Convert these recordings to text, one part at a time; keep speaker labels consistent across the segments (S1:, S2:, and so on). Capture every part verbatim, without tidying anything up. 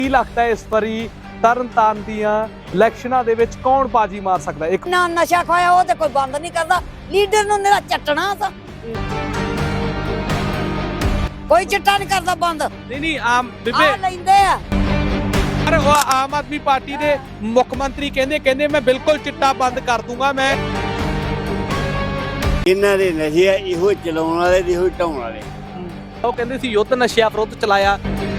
S1: ਕੀ ਲੱਗਦਾ ਇਸ ਵਾਰੀ ਤਰਨਤਾਰਨ ਦੀਆਂ ਇਲੈਕਸ਼ਨਾਂ ਦੇ ਵਿੱਚ ਕੌਣ ਬਾਜੀ ਮਾਰ ਸਕਦਾ? ਇੱਕ
S2: ਨਾ ਨਸ਼ਾ ਖਾਇਆ ਉਹ ਤੇ ਕੋਈ ਬੰਦ ਨਹੀਂ ਕਰਦਾ, ਲੀਡਰ ਨੂੰ ਮੇਰਾ ਚੱਟਣਾ ਤਾਂ ਕੋਈ ਚਿੱਟਾ ਨਹੀਂ ਕਰਦਾ ਬੰਦ।
S1: ਨਹੀਂ ਨਹੀਂ ਆਮ
S2: ਆ
S1: ਬੀਬੇ
S2: ਲੈਂਦੇ ਆ
S1: ਪਰ ਉਹ ਆਮ ਆਦਮੀ ਪਾਰਟੀ ਦੇ ਮੁੱਖ ਮੰਤਰੀ ਕਹਿੰਦੇ ਕਹਿੰਦੇ ਮੈਂ ਬਿਲਕੁਲ ਚਿੱਟਾ ਬੰਦ ਕਰ ਦੂੰਗਾ। ਮੈਂ
S3: ਇਹਨਾਂ ਦੇ ਨਸ਼ੇ ਆ, ਇਹੋ ਚਲਾਉਣ ਵਾਲੇ ਤੇ ਇਹੋ ਢਾਉਣ ਵਾਲੇ।
S1: ਉਹ ਕਹਿੰਦੇ ਸੀ ਯੁੱਧ ਨਸ਼ਿਆਂ ਵਿਰੁੱਧ ਚਲਾਇਆ।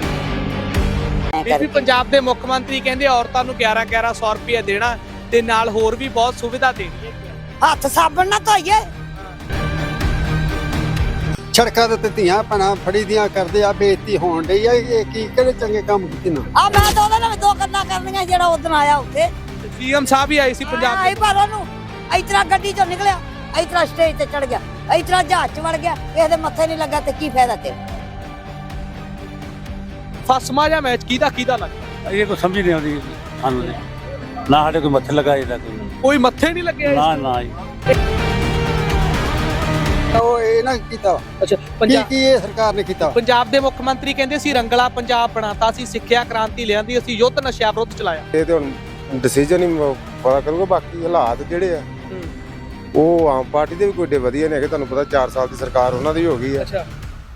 S1: ਬੀਬੀ ਪੰਜਾਬ ਦੇ ਮੁੱਖ ਮੰਤਰੀ ਕਹਿੰਦੇ ਔਰਤਾਂ ਨੂੰ ਗਿਆਰਾਂ ਗਿਆਰਾਂ ਸੌ ਰੁਪਏ ਦੇਣਾ ਤੇ ਨਾਲ ਹੋਰ ਵੀ ਬਹੁਤ ਸੁਵਿਧਾ ਦੇਣੀ ਹੈ।
S2: ਹੱਥ ਸਾਬਣ ਨਾਲ ਧੋਈਏ।
S4: ਸੜਕਾਂ ਦੇ ਉੱਤੇ ਧੀਆਂ ਭੈਣਾਂ ਫੜੀ ਦੀਆਂ ਕਰਦੇ ਆ, ਬੇਇੱਜ਼ਤੀ ਹੋਣ ਡਈ ਆ। ਇਹ ਕੀ ਕਿਹੜੇ ਚੰਗੇ ਕੰਮ ਕੀਤੇ ਨਾ
S2: ਆ ਮੈਂ ਤਾਂ ਉਹਦੇ ਨਾਲ ਦੋ ਗੱਲਾਂ ਕਰਨੀਆਂ ਜਿਹੜਾ ਉਦੋਂ ਆਇਆ ਉੱਥੇ
S1: ਸੀਐਮ ਸਾਹਿਬ ਵੀ ਆਏ ਸੀ ਪੰਜਾਬ
S2: ਆਈ ਪਰ ਉਹਨੂੰ ਇਸ ਤਰ੍ਹਾਂ ਗੱਡੀ ਚੋਂ ਨਿਕਲਿਆ, ਇਸ ਤਰ੍ਹਾਂ ਸਟੇਜ ਤੇ ਚੜ ਗਿਆ, ਇਸ ਤਰ੍ਹਾਂ ਜਹਾਜ਼ ਚ ਵੜ ਗਿਆ, ਕਿਸੇ ਦੇ ਮੱਥੇ ਨਹੀਂ ਲੱਗਾ ਤੇ ਕੀ ਫਾਇਦਾ ਤੇਰਾ?
S1: ਫਸਮਾ ਜਾਂ ਮੈਚ ਕਿਹਦਾ ਕਿਹਦਾ ਲੱਗਦਾ?
S5: ਇਹ ਕੋਈ ਸਮਝ ਨਹੀਂ ਆਉਂਦੀ ਸਾਨੂੰ ਤੇ। ਨਾ ਸਾਡੇ ਕੋਈ ਮੱਥੇ ਲਗਾ ਇਹਦਾ ਕੋਈ
S1: ਕੋਈ ਮੱਥੇ ਨਹੀਂ ਲੱਗਿਆ
S5: ਨਾ ਨਾ ਜੀ।
S4: ਉਹ ਇਹ ਨਾ ਕੀਤਾ
S1: ਅੱਛਾ
S4: ਕੀ
S1: ਪੰਜਾਬ
S4: ਕੀ ਇਹ ਸਰਕਾਰ ਨੇ ਕੀਤਾ।
S1: ਪੰਜਾਬ ਦੇ ਮੁੱਖ ਮੰਤਰੀ ਕਹਿੰਦੇ ਸੀ ਰੰਗਲਾ ਪੰਜਾਬ ਬਣਾਤਾ ਸੀ, ਸਿੱਖਿਆ ਕ੍ਰਾਂਤੀ ਲਿਆਂਦੀ, ਅਸੀਂ ਯੁੱਧ ਨਸ਼ਿਆਂ ਵਿਰੁੱਧ ਚਲਾਇਆ।
S6: ਇਹ ਤੇ ਹੁਣ ਡਿਸੀਜਨ ਹੀ ਪਤਾ ਕਰੂਗਾ। ਬਾਕੀ ਹਾਲਾਤ ਜਿਹੜੇ ਆ ਉਹ ਆਮ ਪਾਰਟੀ ਦੇ ਵੀ ਕੋਈ ਏਡੇ ਵਧੀਆ ਨੇ ਕਿ ਤੁਹਾਨੂੰ ਪਤਾ ਚਾਰ ਸਾਲ ਦੀ ਸਰਕਾਰ ਉਹਨਾਂ ਦੀ ਹੋ ਗਈ ਆ।
S1: ਅੱਛਾ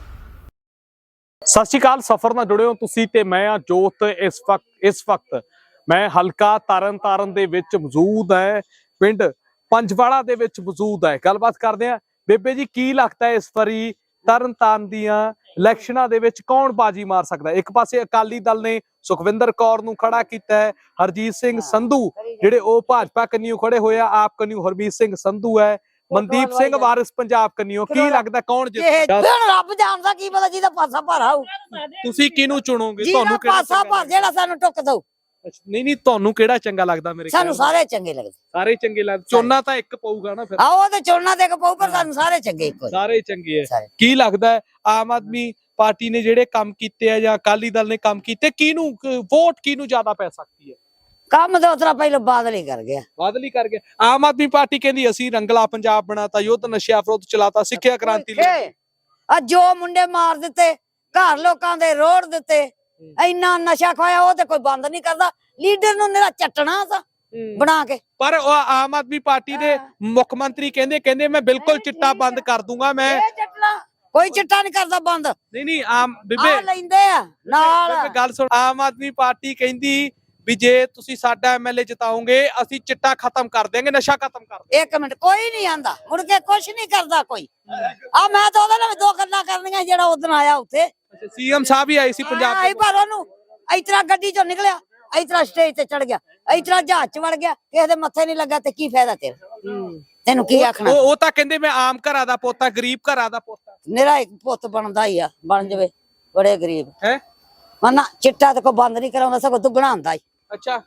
S1: ਸਤਿ ਸ਼੍ਰੀ ਅਕਾਲ, ਸਫ਼ਰ ਨਾਲ ਜੁੜੇ ਹੋ ਤੁਸੀਂ ਤੇ ਮੈਂ ਆ ਜੋਤ। ਇਸ ਵਕਤ ਇਸ ਵਕਤ ਮੈਂ ਹਲਕਾ ਤਰਨਤਾਰਨ ਦੇ ਵਿੱਚ ਮੌਜੂਦ ਹੈ, ਪਿੰਡ ਪੰਜਵਾੜਾ ਦੇ ਵਿੱਚ ਮੌਜੂਦ ਹੈ। ਗੱਲਬਾਤ ਕਰਦੇ ਆ। ਬੇਬੇ ਜੀ ਕੀ ਲੱਗਦਾ ਇਸ ਵਾਰੀ ਤਰਨਤਾਰਨ ਦੀਆਂ ਇਲੈਕਸ਼ਨਾਂ ਦੇ ਵਿੱਚ ਕੌਣ ਬਾਜੀ ਮਾਰ ਸਕਦਾ? ਇੱਕ ਪਾਸੇ ਅਕਾਲੀ ਦਲ ਨੇ ਸੁਖਵਿੰਦਰ ਕੌਰ ਨੂੰ ਖੜਾ ਕੀਤਾ ਹੈ, ਹਰਜੀਤ ਸਿੰਘ ਸੰਧੂ ਜਿਹੜੇ ਉਹ ਭਾਜਪਾ ਕੰਨਿਓ ਖੜੇ ਹੋਏ ਆ, ਆਪ ਕੰਨਿਓ ਹਰਮੀਤ ਸਿੰਘ ਸੰਧੂ ਹੈ, ਮਨਦੀਪ ਸਿੰਘ ਵਾਰਿਸ ਪੰਜਾਬ ਕੰਨਿਓ। ਕੀ ਲੱਗਦਾ ਕੌਣ ਜਿੱਤਦਾ?
S2: ਹੁਣ ਰੱਬ ਜਾਣਦਾ, ਕੀ ਪਤਾ ਜਿਹਦਾ ਪਾਸਾ ਭਾਰਾ ਹੋਊ।
S1: ਤੁਸੀਂ ਕਿਹਨੂੰ ਚੁਣੋਗੇ?
S2: ਜਿਹਦਾ
S1: ਤੁਹਾਨੂੰ ਕਿਹੜਾ
S2: ਪਾਸਾ
S1: ਚੰਗਾ
S2: ਭਰ ਜਿਹੜਾ ਸਾਨੂੰ ਟੁੱਕ ਦਊ।
S1: ਅੱਛਾ, ਨਹੀਂ ਨਹੀਂ ਤੁਹਾਨੂੰ ਕਿਹੜਾ ਚੰਗਾ ਲੱਗਦਾ? ਮੇਰੇ
S2: ਸਾਨੂੰ
S1: ਖਿਆਲ
S2: ਸਾਰੇ ਚੰਗੇ ਲੱਗਦੇ।
S1: ਸਾਰੇ ਚੰਗੇ ਲੱਗਦੇ। ਚੋਣਾ ਤਾਂ ਇੱਕ ਪਊਗਾ ਨਾ ਫਿਰ।
S2: ਆਓ ਤੇ ਚੋਣਾ ਦੇ ਕੇ ਪਊ, ਪਰ ਸਾਨੂੰ ਸਾਰੇ ਚੰਗੇ ਇੱਕੋ ਜਿਹੇ।
S1: ਸਾਰੇ ਚੰਗੇ
S2: ਸਾਰੇ।
S1: ਹੈ। ਕੀ ਲੱਗਦਾ ਹੈ ਆਮ ਆਦਮੀ ਪਾਰਟੀ ਨੇ ਜਿਹੜੇ ਕੰਮ ਕੀਤੇ ਆ ਜਾਂ ਅਕਾਲੀ ਦਲ ਨੇ ਕੰਮ ਕੀਤੇ, ਕਿਹਨੂੰ ਵੋਟ ਕਿਹਨੂੰ ਜ਼ਿਆਦਾ ਪੈ ਸਕਦੀ ਹੈ?
S2: ਕੰਮ ਤਾਂ ਉਤਰਾ ਪਹਿਲਾਂ ਬਾਦਲ ਹੀ ਕਰ ਗਿਆ।
S1: ਬਾਦਲ ਹੀ ਕਰ ਗਿਆ। ਆਮ ਆਦਮੀ ਪਾਰਟੀ ਕਹਿੰਦੀ ਅਸੀਂ ਰੰਗਲਾ ਪੰਜਾਬ ਬਣਾਤਾ, ਯੁੱਧ ਨਸ਼ਿਆਂ ਵਿਰੁੱਧ ਚਲਾਤਾ, ਸਿੱਖਿਆ ਕ੍ਰਾਂਤੀ ਲਈ।
S2: ਆ ਜੋ ਮੁੰਡੇ ਮਾਰ ਦਿੱਤੇ, ਘਰ ਲੋਕਾਂ ਦੇ ਰੋੜ ਦਿੱਤੇ, ਇੰਨਾ ਨਸ਼ਾ ਖਾਇਆ ਉਹ ਤੇ ਕੋਈ ਬੰਦ ਨਹੀਂ ਕਰਦਾ, ਲੀਡਰ ਨੂੰ ਮੇਰਾ ਚੱਟਣਾ ਤਾਂ ਬਣਾ ਕੇ।
S1: ਪਰ ਉਹ ਆਮ ਆਦਮੀ ਪਾਰਟੀ ਦੇ ਮੁੱਖ ਮੰਤਰੀ ਕਹਿੰਦੇ ਕਹਿੰਦੇ ਮੈਂ ਬਿਲਕੁਲ ਚਿੱਟਾ ਬੰਦ ਕਰ ਦੂੰਗਾ। ਮੈਂ
S2: ਇਹ ਚੱਟਣਾ ਕੋਈ ਚਿੱਟਾ ਨਹੀਂ ਕਰਦਾ ਬੰਦ।
S1: ਨਹੀਂ ਨਹੀਂ ਆਮ
S2: ਆ
S1: ਬੀਬੇ
S2: ਲੈਂਦੇ ਆ ਨਾਲ।
S1: ਬੀਬੇ ਗੱਲ ਸੁਣ, ਆਮ ਆਦਮੀ ਪਾਰਟੀ ਕਹਿੰਦੀ ਵੀ ਜੇ ਤੁਸੀਂ ਸਾਡਾ ਐਮਐਲਏ ਜਿਤਾਓਗੇ ਅਸੀਂ ਚਿੱਟਾ ਖਤਮ ਕਰ ਦੇਾਂਗੇ, ਨਸ਼ਾ ਖਤਮ ਕਰ ਦੇਾਂਗੇ।
S2: ਇੱਕ ਮਿੰਟ, ਕੋਈ ਨਹੀਂ ਆਂਦਾ ਮੁੜ ਕੇ, ਕੁਛ ਨਹੀਂ ਕਰਦਾ ਕੋਈ। ਆ ਮੈਂ ਤਾਂ ਉਹਦੇ ਨਾਲ ਦੋ ਗੱਲਾਂ ਕਰਨੀਆਂ ਜਿਹੜਾ ਉਦੋਂ ਆਇਆ ਉੱਥੇ।
S1: ਸੀਐਮ ਸਾਹਿਬ ਵੀ ਆਏ ਸੀ ਪੰਜਾਬ
S2: ਆਈ ਪਰ ਉਹਨੂੰ ਇਸ ਤਰ੍ਹਾਂ ਗੱਡੀ ਚੋਂ ਨਿਕਲਿਆ, ਇਸ ਤਰ੍ਹਾਂ ਸਟੇਜ ਤੇ ਚੜ ਗਿਆ, ਇਸ ਤਰ੍ਹਾਂ ਜਹਾਜ਼ ਚ ਵੜ ਗਿਆ, ਕਿਸੇ ਦੇ ਮੱਥੇ ਨਹੀਂ ਲੱਗਾ ਤੇ ਕੀ ਫਾਇਦਾ ਤੇਰਾ? ਤੈਨੂੰ ਕੀ ਆਖਣਾ?
S1: ਉਹ ਉਹ ਤਾਂ ਕਹਿੰਦੇ ਮੈਂ ਆਮ ਘਰਾਂ ਦਾ ਪੋਤਾ, ਗਰੀਬ ਘਰਾਂ ਦਾ ਪੋਤਾ।
S2: ਮੇਰਾ ਇੱਕ ਪੁੱਤ ਬਣਦਾ ਹੀ ਆ, ਬਣ ਜਾਵੇ, ਬੜੇ ਗਰੀਬ
S1: ਹੈ।
S2: ਮਨਾ ਚਿੱਟਾ ਤੇ ਕੋਈ ਬੰਦ ਨਹੀਂ ਕਰਾਉਂਦਾ, ਸਗੋਂ ਦੁੱਗਣਾ ਹੁੰਦਾ ਹੀ।
S1: ਅੱਛਾ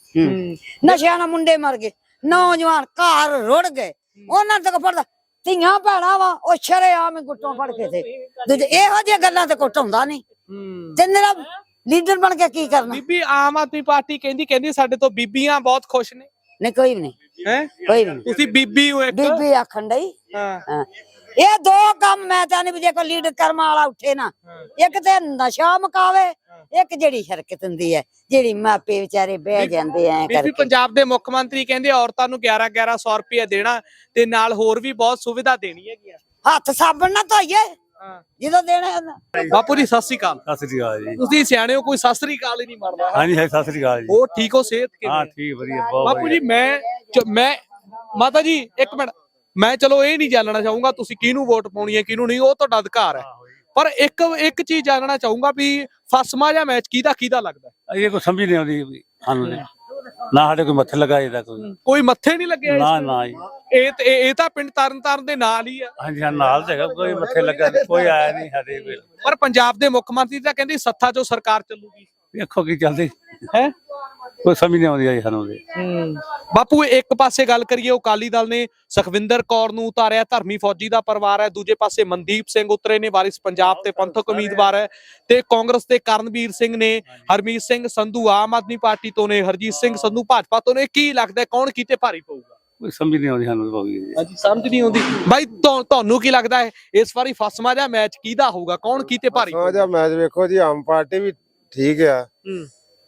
S2: ਨਸ਼ਿਆਂ ਨਾਲ ਮੁੰਡੇ ਮਰ ਗਏ, ਨੌਜਵਾਨ ਘਰ ਰੁੜ ਗਏ, ਉਹਨਾਂ ਤੱਕ ਪੜਦਾ ਧੀਆਂ ਭੈਣਾਂ ਵਾ ਉਹ ਸ਼ਰੇਆਮ ਗੁੱਟੋਂ ਫੜ ਕੇ ਤੇ ਦੂਜੇ ਇਹੋ ਜਿਹੀਆਂ ਗੱਲਾਂ ਤੇ ਕੁੱਟਾਉਂਦਾ ਨਹੀਂ। ਤੇ ਮੇਰਾ ਲੀਡਰ ਬਣ ਕੇ ਕੀ ਕਰਨਾ?
S1: ਬੀਬੀ ਆਮ ਆਦਮੀ ਪਾਰਟੀ ਕਹਿੰਦੀ ਕਹਿੰਦੀ ਸਾਡੇ ਤੋਂ ਬੀਬੀਆਂ ਬਹੁਤ ਖੁਸ਼ ਨੇ।
S2: ਨਹੀਂ ਕੋਈ ਵੀ ਨਹੀਂ,
S1: ਹੈ
S2: ਕੋਈ ਵੀ ਨਹੀਂ।
S1: ਤੁਸੀਂ ਬੀਬੀ ਹੋ ਇੱਕ।
S2: ਬੀਬੀ ਆਖਣ ਡਈ।
S1: ਹਾਂ
S2: ਹਾਂ, ਇਹ ਦੋ ਕੰਮ ਮੈਂ ਤਾਂ ਨਹੀਂ ਵੀ ਜੇ ਕੋਈ ਲੀਡਰ ਕਰਮਾ ਵਾਲਾ ਉੱਠੇ ਨਾ, ਇੱਕ ਤੇ ਨਸ਼ਾ ਮੁਕਾਵੇ, ਇੱਕ ਜਿਹੜੀ ਹਰਕਤ ਹੁੰਦੀ ਹੈ ਜਿਹੜੀ ਮਾਪੇ ਵਿਚਾਰੇ ਬਹਿ ਜਾਂਦੇ ਐ
S1: ਬੀਬੀ
S2: ਕਰਕੇ।
S1: ਪੰਜਾਬ ਦੇ ਮੁੱਖ ਮੰਤਰੀ ਕਹਿੰਦੇ ਔਰਤਾਂ ਨੂੰ ਗਿਆਰਾਂ ਗਿਆਰਾਂ ਸੌ ਰੁਪਏ ਦੇਣਾ ਤੇ ਨਾਲ ਹੋਰ ਵੀ ਬਹੁਤ ਸੁਵਿਧਾ ਦੇਣੀ ਹੈਗੀ ਆ।
S2: ਹੱਥ ਸਾਬਣ ਨਾਲ ਧੋਈਏ ਜਦੋਂ ਦੇਣੇ ਉਹਨਾਂ।
S1: ਬਾਪੂ ਜੀ ਸਤਿ ਸ੍ਰੀ ਅਕਾਲ।
S5: ਸਤਿ ਸ੍ਰੀ ਅਕਾਲ ਜੀ।
S1: ਤੁਸੀਂ ਸਿਆਣੇ ਹੋ, ਕੋਈ ਸਤਿ ਸ੍ਰੀ ਅਕਾਲ ਹੀ ਨਹੀਂ ਮਾਰਦਾ।
S5: ਹਾਂਜੀ ਹੈ, ਸਤਿ ਸ੍ਰੀ ਅਕਾਲ ਜੀ।
S1: ਹੋਰ ਠੀਕ ਹੋ? ਸਿਹਤ ਕਿਵੇਂ?
S5: ਹਾਂ ਠੀਕ, ਵਧੀਆ, ਬਹੁਤ
S1: ਬਾਪੂ ਜੀ ਮੈਂ ਚ- ਮੈਂ ਮਾਤਾ ਜੀ ਇੱਕ ਮਿੰਟ, ਮੈਂ ਚਲੋ ਇਹ ਨਹੀਂ ਜਾਣਨਾ ਚਾਹੂੰਗਾ ਤੁਸੀਂ ਕਿਹਨੂੰ ਵੋਟ ਪਾਉਣੀ ਹੈ ਕਿਹਨੂੰ ਨਹੀਂ, ਉਹ ਤੁਹਾਡਾ ਅਧਿਕਾਰ ਹੈ। ਪਰ ਇੱਕ ਇੱਕ ਚੀਜ਼ ਜਾਣਨਾ ਚਾਹੂੰਗਾ ਵੀ ਫਸਮਾ ਜਾਂ ਮੈਚ ਕਿਹਦਾ ਕਿਹਦਾ ਲੱਗਦਾ?
S5: ਇਹ ਕੋਈ ਸਮਝ ਨਹੀਂ ਆਉਂਦੀ ਸਾਨੂੰ ਤੇ। ਨਾ ਸਾਡੇ ਕੋਈ ਮੱਥੇ ਲਗਾ ਇਹਦਾ ਕੋਈ
S1: ਕੋਈ ਮੱਥੇ ਨਹੀਂ ਲੱਗਿਆ?
S5: ਨਾ ਨਾ ਜੀ।
S1: ਇਹ ਤੇ ਇਹ ਤਾਂ ਪਿੰਡ ਤਰਨਤਾਰਨ ਦੇ ਨਾਲ ਹੀ ਆ।
S5: ਹਾਂਜੀ ਹਾਂ, ਨਾਲ ਤੇ ਹੈਗਾ, ਕੋਈ ਮੱਥੇ ਲੱਗਾ ਨੀ, ਕੋਈ ਆਇਆ ਨਹੀਂ ਸਾਡੇ ਕੋਲ।
S1: ਪਰ ਪੰਜਾਬ ਦੇ ਮੁੱਖ ਮੰਤਰੀ ਤਾਂ ਕਹਿੰਦੇ ਸੱਥਾ ਚੋਂ ਸਰਕਾਰ ਚੱਲੂਗੀ।
S5: ਵੇਖੋ ਕੀ ਚੱਲਦੀ
S1: ਹੈ।
S5: ਕੋਈ ਸਮਝ ਨਹੀਂ ਆਉਂਦੀ ਸਾਨੂੰ ਤੇ।
S1: ਬਾਪੂ ਇੱਕ ਪਾਸੇ ਗੱਲ ਕਰੀਏ, ਉਹ ਅਕਾਲੀ ਦਲ ਨੇ ਸੁਖਵਿੰਦਰ ਕੌਰ ਨੂੰ ਉਤਾਰਿਆ, ਧਰਮੀ ਫੌਜੀ ਦਾ ਪਰਿਵਾਰ ਹੈ। ਦੂਜੇ ਪਾਸੇ ਮਨਦੀਪ ਸਿੰਘ ਉਤਰੇ ਨੇ, ਵਾਰਿਸ ਪੰਜਾਬ ਤੇ ਪੰਥਕ ਉਮੀਦਵਾਰ ਹੈ। ਤੇ ਕਾਂਗਰਸ ਦੇ ਕਰਨਵੀਰ ਸਿੰਘ ਨੇ, ਹਰਮੀਤ ਸਿੰਘ ਸੰਧੂ ਆਮ ਆਦਮੀ ਪਾਰਟੀ ਤੋਂ ਨੇ, ਹਰਜੀਤ ਸਿੰਘ ਸੰਧੂ ਭਾਜਪਾ ਤੋਂ ਨੇ। ਕੀ ਲੱਗਦਾ ਕੌਣ ਕਿਤੇ ਭਾਰੀ ਪਊਗਾ?
S5: ਕੋਈ ਸਮਝ ਨਹੀਂ ਆਉਂਦੀ ਸਾਨੂੰ ਬਾਬੂ ਜੀ।
S1: ਹਾਂਜੀ ਸਮਝ ਨਹੀਂ ਆਉਂਦੀ ਬਾਈ। ਤੁਹਾਨੂੰ ਕੀ ਲੱਗਦਾ ਹੈ ਇਸ ਵਾਰੀ ਫਸਮਾ ਜਾਂ ਮੈਚ ਕਿਹਦਾ ਹੋਊਗਾ? ਕੌਣ ਕਿਤੇ ਭਾਰੀ?
S6: ਫਸਮਾ ਜਾਂ ਮੈਚ ਵੇਖੋ ਜੀ, ਆਮ ਪਾਰਟੀ ਵੀ ਠੀਕ ਆ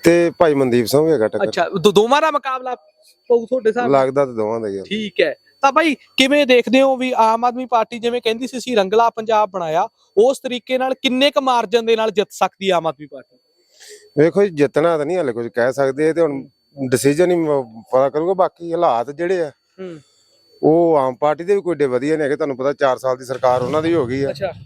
S6: ਤੇ ਭਾਈ ਮਨਦੀਪ ਸਿੰਘ ਹੈਗਾ ਟੱਕਰ।
S1: ਅੱਛਾ ਦੋ- ਦੋਵਾਂ ਦਾ ਮੁਕਾਬਲਾ ਪਊ ਤੁਹਾਡੇ ਹਿਸਾਬ ਨਾਲ?
S6: ਲੱਗਦਾ ਤਾਂ ਦੋਵਾਂ ਦਾ ਹੀ ਆ।
S1: ਠੀਕ ਹੈ। ਤਾਂ ਬਾਈ ਕਿਵੇਂ ਦੇਖਦੇ ਹੋ ਵੀ ਆਮ ਆਦਮੀ ਪਾਰਟੀ ਜਿਵੇਂ ਕਹਿੰਦੀ ਸੀ ਅਸੀਂ ਰੰਗਲਾ ਪੰਜਾਬ ਬਣਾਇਆ, ਉਸ ਤਰੀਕੇ ਨਾਲ ਕਿੰਨੇ ਕੁ ਮਾਰਜਨ ਦੇ ਨਾਲ ਜਿੱਤ ਸਕਦੀ ਹੈ ਆਮ ਆਦਮੀ ਪਾਰਟੀ?
S6: ਵੇਖੋ ਜੀ, ਜਿੱਤਣਾ ਤਾਂ ਨਹੀਂ ਹਲੇ ਕੁਝ ਕਹਿ ਸਕਦੇ, ਤੇ ਹੁਣ ਡਿਸੀਜਨ ਹੀ ਪਤਾ ਕਰੂਗਾ। ਬਾਕੀ ਹਾਲਾਤ ਜਿਹੜੇ ਆ
S1: ਹੂੰ
S6: ਉਹ ਆਮ ਪਾਰਟੀ ਦੇ ਵੀ ਕੋਈ ਏਡੇ ਵਧੀਆ ਨਹੀਂ ਹੈਗੇ। ਤੁਹਾਨੂੰ ਪਤਾ ਚਾਰ ਸਾਲ ਦੀ ਸਰਕਾਰ ਉਹਨਾਂ ਦੀ ਹੋ ਗਈ ਆ।
S1: ਅੱਛਾ,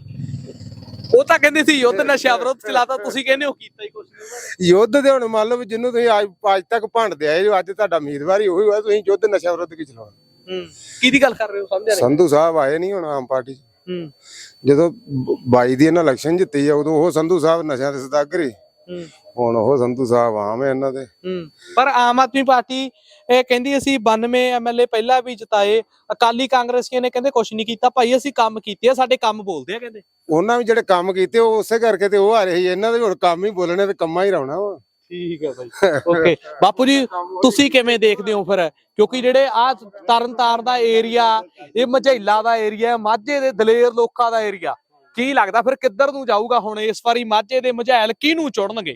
S1: ਉਹ ਤਾਂ ਕਹਿੰਦੇ ਸੀ ਯੁੱਧ ਨਸ਼ਾ ਵਿਰੋਧ ਚਲਾਤਾ, ਤੁਸੀਂ ਕਹਿੰਦੇ ਹੋ ਕੀਤਾ ਹੀ ਕੁਝ ਨਹੀਂ ਉਹਨਾਂ ਨੇ।
S6: ਯੁੱਧ ਦੇ ਹੁਣ ਮੰਨ ਲਓ ਵੀ ਜਿਹਨੂੰ ਤੁਸੀਂ ਅੱਜ ਅੱਜ ਤੱਕ ਭੰਡਦੇ ਆਏ ਜੋ, ਅੱਜ ਤੁਹਾਡਾ ਉਮੀਦਵਾਰ ਹੀ ਉਹੀ ਹੋਇਆ, ਤੁਸੀਂ ਯੁੱਧ ਨਸ਼ਾ ਵਿਰੁੱਧ ਕੀ ਚਲਾਉਣਾ?
S1: ਹੂੰ ਕਿਹਦੀ ਗੱਲ ਕਰ ਰਹੇ ਹੋ ਸਮਝਿਆ ਨਹੀਂ।
S6: ਸੰਧੂ ਸਾਹਿਬ ਆਏ ਨਹੀਂ ਹੁਣ ਆਮ ਪਾਰਟੀ 'ਚ।
S1: ਹੂੰ
S6: ਜਦੋਂ ਬਾਈ ਦੀ ਇਹਨਾਂ ਇਲੈਕਸ਼ਨ ਜਿੱਤੀ ਆ ਉਦੋਂ ਉਹ ਸੰਧੂ ਸਾਹਿਬ ਨਸ਼ਿਆਂ ਦੇ ਸਦਾਗਰ ਸੀ।
S1: ਹੂੰ
S6: ਹੁਣ ਉਹ ਸੰਧੂ ਸਾਹਿਬ ਆਮ ਹੈ ਇਹਨਾਂ ਦੇ।
S1: ਹੂੰ ਪਰ ਆਮ ਆਦਮੀ ਪਾਰਟੀ ਇਹ ਕਹਿੰਦੀ ਅਸੀਂ ਬਾਨਵੇਂ ਐਮਐਲਏ ਪਹਿਲਾਂ ਵੀ ਜਿਤਾਏ, ਅਕਾਲੀ ਕਾਂਗਰਸੀਆਂ ਨੇ ਕਹਿੰਦੇ ਕੁਛ ਨਹੀਂ ਕੀਤਾ। ਭਾਈ ਅਸੀਂ ਕੰਮ ਕੀਤੇ ਆ, ਸਾਡੇ ਕੰਮ ਬੋਲਦੇ ਆ ਕਹਿੰਦੇ।
S6: ਉਹਨਾਂ ਵੀ ਜਿਹੜੇ ਕੰਮ ਕੀਤੇ ਉਹ ਉਸੇ ਕਰਕੇ ਤੇ ਉਹ ਆ ਰਹੇ ਸੀ। ਇਹਨਾਂ ਦੇ ਹੁਣ ਕੰਮ ਹੀ ਬੋਲਣੇ ਤੇ ਕੰਮਾਂ ਹੀ ਰਹਿਣਾ ਵਾ।
S1: ਠੀਕ ਹੈ ਬਾਈ, ਓਕੇ। ਬਾਪੂ ਜੀ ਤੁਸੀਂ ਕਿਵੇਂ ਦੇਖਦੇ ਹੋ ਫਿਰ, ਕਿਉਂਕਿ ਜਿਹੜੇ ਆ ਤਰਨਤਾਰਨ ਦਾ ਏਰੀਆ, ਇਹ ਮਝੈਲਾ ਦਾ ਏਰੀਆ, ਮਾਝੇ ਦੇ ਦਲੇਰ ਲੋਕਾਂ ਦਾ ਏਰੀਆ, ਕੀ ਲੱਗਦਾ ਫਿਰ ਕਿੱਧਰ ਨੂੰ ਜਾਊਗਾ ਹੁਣ ਇਸ ਵਾਰੀ? ਮਾਝੇ ਦੇ ਮਝੈਲ ਕਿਹਨੂੰ ਚੁਣਨਗੇ?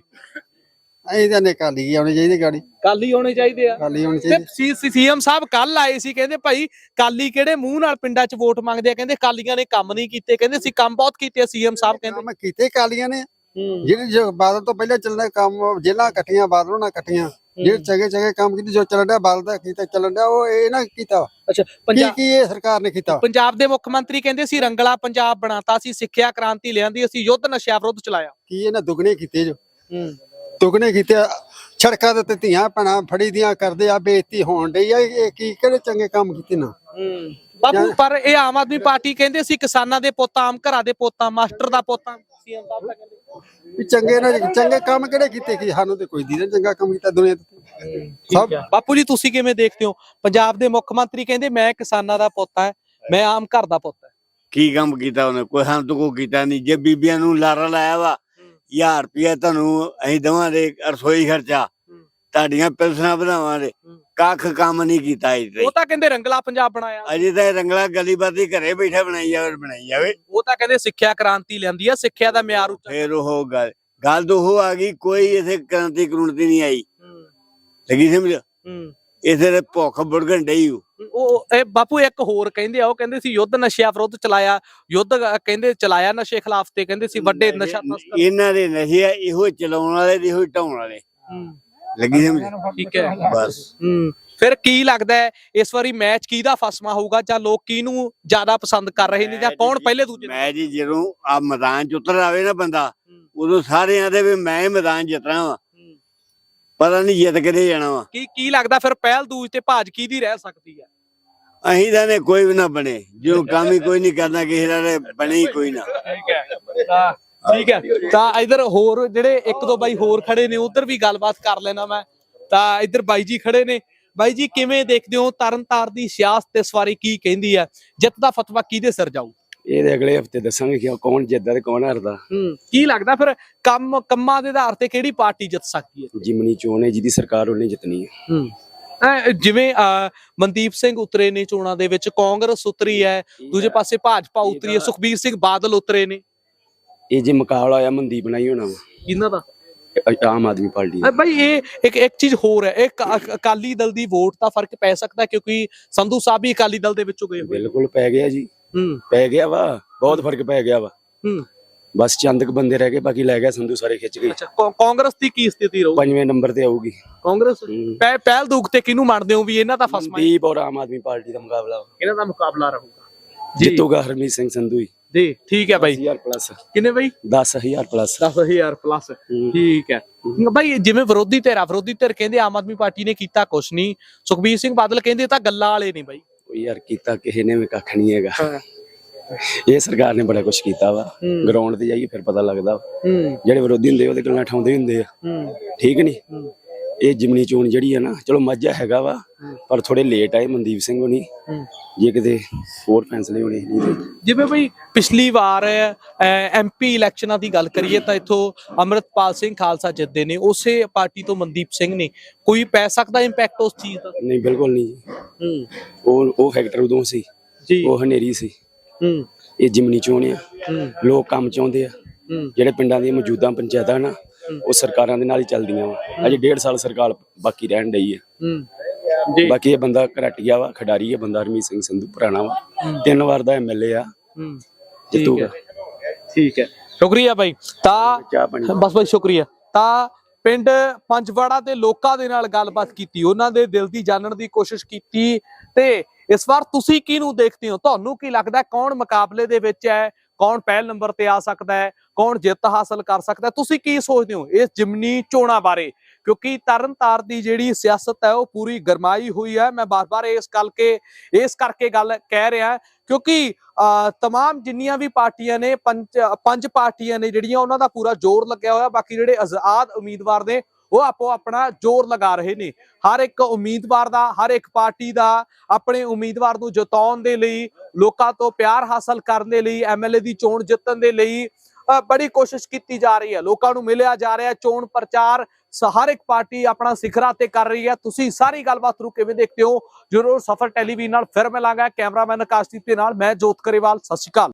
S4: ਅਸੀਂ ਤਾਂ ਨੇ ਕਾਲੀ ਆਉਣੀ ਚਾਹੀਦੀ ਗਾੜੀ,
S1: ਕਾਲੀ ਹੋਣੇ ਚਾਹੀਦੇ ਆ।
S4: ਕਾਲੀ ਹੋਣੀ
S1: ਤੇ
S4: ਚਾਹੀਦੀ।
S1: ਸੀਐਮ ਸਾਹਿਬ ਕੱਲ ਆਏ ਸੀ, ਕਹਿੰਦੇ ਭਾਈ ਕਾਲੀ ਕਿਹੜੇ ਮੂੰਹ ਨਾਲ ਪਿੰਡਾਂ 'ਚ ਵੋਟ ਮੰਗਦੇ ਆ, ਕਹਿੰਦੇ ਕਾਲੀਆਂ ਨੇ ਕੰਮ ਨਹੀਂ ਕੀਤੇ, ਕਹਿੰਦੇ ਅਸੀਂ ਕੰਮ ਬਹੁਤ ਕੀਤੇ ਆ। ਸੀਐਮ ਸਾਹਿਬ ਕਹਿੰਦੇ
S4: ਕੰਮ ਕੀਤੇ ਕਾਲੀਆਂ ਨੇ,
S1: ਹੂੰ
S4: ਜਿਹੜੇ ਜੋ ਬਾਦਲ ਤੋਂ ਪਹਿਲਾਂ ਚੱਲਣਾ ਕੰਮ, ਜੇਲਾਂ ਇਕੱਠੀਆਂ ਬਾਦਲੋਂ ਨਾਲ ਇਕੱਠੀਆਂ, ਜਿਹੜੇ ਚੰਗੇ ਚੰਗੇ ਕੰਮ ਕੀਤੇ, ਜੋ ਚੱਲਣ ਡਿਆ ਬਾਦਲ ਦਾ ਕੀਤਾ ਚੱਲਣ ਡਿਆ, ਉਹ ਇਹ ਨਾ ਕੀਤਾ।
S1: ਅੱਛਾ,
S4: ਕੀ
S1: ਪੰਜਾਬ
S4: ਕੀ ਇਹ ਸਰਕਾਰ ਨੇ ਕੀਤਾ?
S1: ਪੰਜਾਬ ਦੇ ਮੁੱਖ ਮੰਤਰੀ ਕਹਿੰਦੇ ਸੀ ਰੰਗਲਾ ਪੰਜਾਬ ਬਣਾਤਾ, ਸੀ ਸਿੱਖਿਆ ਕ੍ਰਾਂਤੀ ਲਿਆਂਦੀ, ਅਸੀਂ ਯੁੱਧ ਨਸ਼ਾ ਵਿਰੁੱਧ ਚਲਾਇਆ।
S4: ਕੀ ਇਹਨਾਂ ਦੁੱਗਣੇ ਕੀਤੇ ਜੋ,
S1: ਹੂੰ
S4: ਦੁੱਗਣੇ ਕੀਤੇ। ਸੜਕਾਂ ਦੇ ਤੇ ਧੀਆਂ ਭੈਣਾਂ ਫੜੀ ਦੀਆਂ ਕਰਦੇ ਆ, ਬੇਇੱਜ਼ਤੀ ਹੋਣ ਡਈ ਆ। ਇਹ ਕੀ ਕਿਹੜੇ ਚੰਗੇ ਕੰਮ ਕੀਤੇ ਨਾ?
S1: ਹੂੰ ਬਾਪੂ ਪਰ ਇਹ ਆਮ ਆਦਮੀ ਪਾਰਟੀ ਕਹਿੰਦੇ ਸੀ ਕਿਸਾਨਾਂ ਦੇ ਪੁੱਤ, ਆਮ ਘਰਾਂ ਦੇ ਪੁੱਤ, ਮਾਸਟਰ ਦਾ ਪੁੱਤ। ਸੀਐਮ ਸਾਹਿਬ ਤਾਂ ਕਹਿੰਦੇ
S4: ਵੀ ਚੰਗੇ ਨਾ ਚੰਗੇ ਕੰਮ ਕਿਹੜੇ ਕੀਤੇ? ਕਿ ਸਾਨੂੰ ਤੇ ਕੋਈ ਦੀਦਾ ਚੰਗਾ ਕੰਮ ਕੀਤਾ ਦੁਨੀਆ ਤੇ ਸਭ।
S1: ਬਾਪੂ ਜੀ ਤੁਸੀਂ ਕਿਵੇਂ ਦੇਖਦੇ ਹੋ? ਪੰਜਾਬ ਦੇ ਮੁੱਖ ਮੰਤਰੀ ਕਹਿੰਦੇ ਮੈਂ ਕਿਸਾਨਾਂ ਦਾ ਪੁੱਤ ਹਾਂ, ਮੈਂ ਆਮ ਘਰ ਦਾ ਪੁੱਤ ਹਾਂ।
S3: ਕੀ ਕੰਮ ਕੀਤਾ ਉਹਨੇ? ਕੋਈ ਹਾਂ ਤੋਂ ਕੋਈ ਕੀਤਾ ਨਹੀਂ। ਜੇ ਬੀਬੀਆਂ ਨੂੰ ਲਾਰਾ ਲਾਇਆ ਵਾ ਹਜ਼ਾਰ ਰੁਪਇਆ ਤੁਹਾਨੂੰ ਅਸੀਂ ਦੇਵਾਂਗੇ ਰਸੋਈ ਖਰਚਾ, ਤੁਹਾਡੀਆਂ ਪੈਨਸ਼ਨਾਂ ਵਧਾਵਾਂਗੇ, ਕੱਖ ਕੰਮ ਨਹੀਂ ਕੀਤਾ।
S1: ਉਹ ਤਾਂ ਕਹਿੰਦੇ ਰੰਗਲਾ ਪੰਜਾਬ ਬਣਾਇਆ।
S3: ਅਜੇ ਤਾਂ ਰੰਗਲਾ ਗਲੀ ਬਾਦੀ ਘਰੇ ਬੈਠਾ ਬਣਾਈ ਜਾਵੇ ਬਣਾਈ ਜਾਵੇ।
S1: ਉਹ ਤਾਂ ਕਹਿੰਦੇ ਸਿੱਖਿਆ ਕ੍ਰਾਂਤੀ ਲਿਆਂਦੀ ਆ, ਸਿੱਖਿਆ ਦਾ ਮਿਆਰ ਉੱਚਾ।
S3: ਫੇਰ ਉਹ ਗੱਲ ਗੱਲ ਤਾਂ ਉਹ ਆ ਗਈ, ਕੋਈ ਇਥੇ ਕ੍ਰਾਂਤੀ ਕਰੂੰਤੀ ਨਹੀਂ ਆਈ। ਲੱਗੀ ਸਮਝ? ਇਥੇ ਤੇ ਭੁੱਖ ਬੁੜਗਣ ਡਈ।
S1: ਉਹ ਇਹ ਬਾਪੂ ਇੱਕ ਹੋਰ ਕਹਿੰਦੇ ਆ, ਉਹ ਕਹਿੰਦੇ ਸੀ ਯੁੱਧ ਨਸ਼ਿਆਂ ਵਿਰੁੱਧ ਚਲਾਇਆ, ਯੁੱਧ ਕਹਿੰਦੇ ਚਲਾਇਆ ਨਸ਼ੇ ਖਿਲਾਫ, ਤੇ ਕਹਿੰਦੇ ਸੀ ਵੱਡੇ ਨਸ਼ਾ ਤਸਕਰ।
S3: ਇਹਨਾਂ ਦੇ ਨਸ਼ੇ ਇਹੋ ਚਲਾਉਣ ਵਾਲੇ ਤੇ ਇਹੋ ਢਾਉਣ ਵਾਲੇ। ਲੱਗੀ ਸਮਝ?
S1: ਠੀਕ ਹੈ
S3: ਬਸ।
S1: ਹੂੰ ਫਿਰ ਕੀ ਲੱਗਦਾ ਹੈ ਇਸ ਵਾਰੀ ਮੈਚ ਕਿਹਦਾ ਫਸਮਾ ਹੋਊਗਾ, ਜਾਂ ਲੋਕ ਕਿਹਨੂੰ ਜ਼ਿਆਦਾ ਪਸੰਦ ਕਰ ਰਹੇ ਨੇ, ਜਾਂ ਕੌਣ ਪਹਿਲੇ ਦੂਜੇ?
S3: ਮੈਂ ਜੀ ਜਦੋਂ ਆ ਮੈਦਾਨ ਚ ਉਤਰ ਆਵੇ ਨਾ ਬੰਦਾ, ਉਦੋਂ ਸਾਰਿਆਂ ਦੇ ਵੀ ਮੈਂ ਮੈਦਾਨ ਜਿੱਤਣਾ ਵਾ, ਪਤਾ ਨਹੀਂ ਜਿੱਤ ਕਿਤੇ ਜਾਣਾ ਵਾ।
S1: ਕੀ ਕੀ ਲੱਗਦਾ ਫਿਰ ਪਹਿਲ ਦੂਜ ਤੇ ਭਾਜ ਕਿਹਦੀ ਰਹਿ ਸਕਦੀ ਹੈ?
S3: ਅਹੀਂ ਤਾਂ ਨੇ ਕੋਈ ਵੀ ਨਾ ਬਣੇ, ਜੋ ਕੰਮ ਹੀ ਕੋਈ ਨਹੀਂ ਕਰਨਾ ਕਿਸੇ ਦਾ, ਬਣੇ ਹੀ ਕੋਈ ਨਾ।
S1: ਠੀਕ ਹੈ ਤਾਂ ਠੀਕ ਹੈ। ਤਾਂ ਇਧਰ ਹੋਰ ਜਿਹੜੇ ਇੱਕ ਦੋ ਬਾਈ ਹੋਰ ਖੜੇ ਨੇ, ਉਧਰ ਵੀ ਗੱਲਬਾਤ ਕਰ ਲੈਣਾ ਮੈਂ। ਤਾਂ ਇਧਰ ਬਾਈ ਜੀ ਖੜੇ ਨੇ। ਬਾਈ ਜੀ ਕਿਵੇਂ ਦੇਖਦੇ ਹੋ ਤਰਨਤਾਰਨ ਦੀ ਸਿਆਸਤ ਇਸ ਵਾਰੀ ਕੀ ਕਹਿੰਦੀ ਹੈ? ਜਿੱਤ ਦਾ ਫਤਵਾ ਕਿਹਦੇ ਸਿਰ ਜਾਊ?
S7: ਇਹ ਅਗਲੇ ਹਫਤੇ ਦੱਸਾਂਗੇ ਕਿ ਕੌਣ ਜਿੱਤਦਾ ਤੇ ਕੌਣ ਹਾਰਦਾ।
S1: ਹੂੰ ਕੀ ਲੱਗਦਾ ਫਿਰ ਕੰਮ ਕੰਮਾਂ ਦੇ ਆਧਾਰ ਤੇ ਕਿਹੜੀ ਪਾਰਟੀ ਜਿੱਤ ਸਕਦੀ ਹੈ?
S7: ਜਿਮਨੀ ਚੋਣ ਹੈ, ਜਿਹਦੀ ਸਰਕਾਰ ਉਹਨੇ ਜਿੱਤਣੀ ਹੈ।
S1: ਹੂੰ ਜਿਵੇਂ ਮਨਦੀਪ ਸਿੰਘ ਉਤਰੇ ਨੇ ਚੋਣਾਂ ਦੇ ਵਿੱਚ, ਕਾਂਗਰਸ ਉਤਰੀ ਹੈ, ਦੂਜੇ ਪਾਸੇ ਭਾਜਪਾ ਉਤਰੀ ਹੈ, ਸੁਖਬੀਰ ਸਿੰਘ ਬਾਦਲ ਉਤਰੇ ਨੇ।
S7: ਇਹ ਜੇ ਮੁਕਾਬਲਾ ਹੋਇਆ ਮਨਦੀਪ ਨਾਲ ਹੀ ਹੋਣਾ ਵਾ,
S1: ਇਹਨਾਂ ਦਾ
S7: ਆਮ ਆਦਮੀ ਪਾਰਟੀ ਦਾ।
S1: ਬਾਈ ਇਹ ਇੱਕ ਇੱਕ ਚੀਜ਼ ਹੋਰ ਹੈ, ਇਹ ਅਕਾਲੀ ਦਲ ਦੀ ਵੋਟ ਦਾ ਫਰਕ ਪੈ ਸਕਦਾ, ਕਿਉਂਕਿ ਸੰਧੂ ਸਾਹਿਬ ਵੀ ਅਕਾਲੀ ਦਲ ਦੇ ਵਿੱਚੋਂ ਗਏ ਹੋਏ।
S7: ਬਿਲਕੁਲ ਪੈ ਗਿਆ ਜੀ,
S1: ਹੂੰ
S7: ਪੈ ਗਿਆ ਵਾ, ਬਹੁਤ ਫਰਕ ਪੈ ਗਿਆ ਵਾ।
S1: ਹੂੰ
S7: ਬਸ ਚੰਦ ਕੁ ਬੰਦੇ ਰਹਿ ਗਏ, ਬਾਕੀ ਲੈ ਗਿਆ ਸੰਧੂ, ਸਾਰੇ ਖਿੱਚ ਗਏ।
S1: ਅੱਛਾ ਕਾਂਗਰਸ ਦੀ ਕੀ ਸਥਿਤੀ ਰਹੂ?
S7: ਪੰਜਵੇਂ ਨੰਬਰ ਤੇ ਆਊਗੀ
S1: ਕਾਂਗਰਸ। ਪਹਿਲ ਦੂਖ ਤੇ ਕਿਹਨੂੰ ਮੰਨਦੇ ਹੋ ਵੀ ਇਹਨਾਂ ਦਾ ਫਸਮਾ?
S7: ਮਨਦੀਪ ਔਰ ਆਮ ਆਦਮੀ ਪਾਰਟੀ ਦਾ ਮੁਕਾਬਲਾ ਵਾ।
S1: ਇਹਨਾਂ ਦਾ ਮੁਕਾਬਲਾ ਰਹੂਗਾ।
S7: ਜਿੱਤੂਗਾ ਹਰਮੀਤ ਸਿੰਘ ਸੰਧੂ ਹੀ।
S1: ਜੀ ਠੀਕ ਹੈ ਬਾਈ।
S7: ਹਜ਼ਾਰ ਪਲੱਸ
S1: ਕਿੰਨੇ ਬਾਈ?
S7: ਦਸ ਹਜ਼ਾਰ ਪਲੱਸ।
S1: ਦਸ ਹਜ਼ਾਰ ਪਲੱਸ। ਠੀਕ ਹੈ ਬਾਈ। ਜਿਵੇਂ ਵਿਰੋਧੀ ਧਿਰ ਵਿਰੋਧੀ ਧਿਰ ਕਹਿੰਦੇ ਆਮ ਆਦਮੀ ਪਾਰਟੀ ਨੇ ਕੀਤਾ ਕੁਛ ਨਹੀਂ, ਸੁਖਬੀਰ ਸਿੰਘ ਬਾਦਲ ਕਹਿੰਦੇ ਤਾਂ ਗੱਲਾਂ ਵਾਲੇ ਨੇ ਬਾਈ।
S7: ਯਾਰ ਕੀਤਾ ਕਿਸੇ ਨੇ ਵੀ ਕੱਖ ਨਹੀਂ ਹੈਗਾ। ਇਹ ਸਰਕਾਰ ਨੇ ਬੜਾ ਕੁਛ ਕੀਤਾ ਵਾ, ਗਰਾਊਂਡ ਤੇ ਜਾਈਏ ਫਿਰ ਪਤਾ ਲੱਗਦਾ। ਜਿਹੜੇ ਵਿਰੋਧੀ ਹੁੰਦੇ ਉਹਦੇ ਗੱਲਾਂ ਠਾਉਂਦੇ ਹੁੰਦੇ ਆ, ਠੀਕ ਨਹੀਂ? ਇਹ ਜਿਮਨੀ ਚੋਣ ਜਿਹੜੀ ਆ ਨਾ, ਚਲੋ ਮਾਝਾ ਹੈਗਾ ਵਾ, ਪਰ ਥੋੜੇ ਲੇਟ ਆਏ ਮਨਦੀਪ ਸਿੰਘ ਹੋਣੀ, ਜੇ ਕਿਤੇ ਹੋਰ ਫੈਸਲੇ ਹੋਣੇ ਨਹੀਂ।
S1: ਜਿਵੇਂ ਬਈ ਪਿਛਲੀ ਵਾਰ ਐਮਪੀ ਇਲੈਕਸ਼ਨਾਂ ਦੀ ਗੱਲ ਕਰੀਏ ਤਾਂ ਇੱਥੋਂ ਅੰਮ੍ਰਿਤਪਾਲ ਸਿੰਘ ਖਾਲਸਾ ਜਿੱਤਦੇ ਨੇ, ਉਸੇ ਪਾਰਟੀ ਤੋਂ ਮਨਦੀਪ ਸਿੰਘ ਨੇ। ਕੋਈ ਪੈ ਸਕਦਾ ਇੰਪੈਕਟ ਉਸ ਚੀਜ਼ ਦਾ?
S7: ਨਹੀਂ ਬਿਲਕੁਲ ਨਹੀਂ ਜੀ। ਉਹ ਉਹ ਫੈਕਟਰ ਉਦੋਂ ਸੀ ਜੀ, ਉਹ ਹਨੇਰੀ ਸੀ। ਇਹ ਜਿਮਨੀ ਚੋਣ ਆ, ਲੋਕ ਕੰਮ ਚਾਹੁੰਦੇ ਆ। ਜਿਹੜੇ ਪਿੰਡਾਂ ਦੀਆਂ ਮੌਜੂਦਾ ਪੰਚਾਇਤਾਂ ਨਾ, ਉਹ ਸਰਕਾਰਾਂ ਦੇ ਨਾਲ ਹੀ ਚੱਲਦੀਆਂ ਵਾ। ਅਜੇ ਡੇਢ ਸਾਲ ਸਰਕਾਰ ਬਾਕੀ ਰਹਿਣ ਡਈ ਹੈ।
S1: ਜੀ
S7: ਬਾਕੀ ਇਹ ਬੰਦਾ ਘਰਾਟੀਆ ਵਾ, ਖਿਡਾਰੀ ਹੈ ਬੰਦਾ, ਹਰਮੀਤ ਸਿੰਘ ਸੰਧੂ ਪੁਰਾਣਾ ਵਾ, ਤਿੰਨ ਵਾਰ ਦਾ ਐਮਐਲਏ ਆ, ਜਿੱਤੂਗਾ।
S1: ਠੀਕ ਹੈ, ਸ਼ੁਕਰੀਆ ਬਾਈ। ਤਾਂ
S7: ਚਾਹ ਪਾਣੀ
S1: ਬਸ ਬਾਈ ਸ਼ੁਕਰੀਆ। ਤਾਂ ਪਿੰਡ ਪੰਜਵਾੜਾ ਦੇ ਲੋਕਾਂ ਦੇ ਨਾਲ ਗੱਲਬਾਤ ਕੀਤੀ, ਉਹਨਾਂ ਦੇ ਦਿਲ ਦੀ ਜਾਣਨ ਦੀ ਕੋਸ਼ਿਸ਼ ਕੀਤੀ। ਤੇ ਇਸ ਵਾਰ ਤੁਸੀਂ ਕਿਹਨੂੰ ਦੇਖਦੇ ਹੋ? ਤੁਹਾਨੂੰ ਕੀ ਲੱਗਦਾ ਕੌਣ ਮੁਕਾਬਲੇ ਦੇ ਵਿੱਚ ਹੈ? ਕੌਣ ਪਹਿਲ ਨੰਬਰ ਤੇ ਆ ਸਕਦਾ ਹੈ? ਕੌਣ ਜਿੱਤ ਹਾਸਲ ਕਰ ਸਕਦਾ ਹੈ? ਤੁਸੀਂ ਕੀ ਸੋਚਦੇ ਹੋ ਇਸ ਜਿਮਨੀ ਚੋਣਾਂ ਬਾਰੇ? ਕਿਉਂਕਿ ਤਰਨਤਾਰਨ ਦੀ ਜਿਹੜੀ ਸਿਆਸਤ ਹੈ ਉਹ ਪੂਰੀ ਗਰਮਾਈ ਹੋਈ ਹੈ। ਮੈਂ ਬਾਰ-ਬਾਰ ਇਸ ਗੱਲ ਕੇ ਇਸ ਕਰਕੇ ਗੱਲ ਕਹਿ ਰਿਹਾ ਕਿਉਂਕਿ ਤਮਾਮ ਜਿੰਨੀਆਂ ਵੀ ਪਾਰਟੀਆਂ ਨੇ, ਪੰਜ ਪੰਜ ਪਾਰਟੀਆਂ ਨੇ ਜਿਹੜੀਆਂ, ਉਹਨਾਂ ਦਾ ਪੂਰਾ ਜ਼ੋਰ ਲੱਗਿਆ ਹੋਇਆ। ਬਾਕੀ ਜਿਹੜੇ ਆਜ਼ਾਦ ਉਮੀਦਵਾਰ ਨੇ ਉਹ ਆਪੋ ਆਪਣਾ ਜ਼ੋਰ ਲਗਾ ਰਹੇ ਨੇ। ਹਰ ਇੱਕ ਉਮੀਦਵਾਰ ਦਾ, ਹਰ ਇੱਕ ਪਾਰਟੀ ਦਾ ਆਪਣੇ ਉਮੀਦਵਾਰ ਨੂੰ ਜਿਤਾਉਣ ਦੇ ਲਈ, ਲੋਕਾਂ ਤੋਂ ਪਿਆਰ ਹਾਸਲ ਕਰਨ ਦੇ ਲਈ, ਐਮਐਲਏ ਦੀ ਚੋਣ ਜਿੱਤਣ ਦੇ ਲਈ ਬੜੀ ਕੋਸ਼ਿਸ਼ ਕੀਤੀ ਜਾ ਰਹੀ ਹੈ। ਲੋਕਾਂ ਨੂੰ ਮਿਲਿਆ ਜਾ ਰਿਹਾ। ਚੋਣ ਪ੍ਰਚਾਰ ਹਰ ਇੱਕ ਪਾਰਟੀ ਆਪਣਾ ਸਿਖਰਾਂ ਤੇ ਕਰ ਰਹੀ ਹੈ। ਤੁਸੀਂ ਸਾਰੀ ਗੱਲਬਾਤ ਨੂੰ ਕਿਵੇਂ ਦੇਖਦੇ ਹੋ? ਜ਼ਰੂਰ ਸਫਰ ਟੈਲੀਵਿਜ਼ਨ ਨਾਲ ਫਿਰ ਮਿਲਾਂਗਾ। ਕੈਮਰਾਮੈਨ ਆਕਾਸ਼ਦੀਪ ਦੇ ਨਾਲ ਮੈਂ ਜੋਤ ਕਰੇਵਾਲ। ਸਤਿ ਸ਼੍ਰੀ ਅਕਾਲ।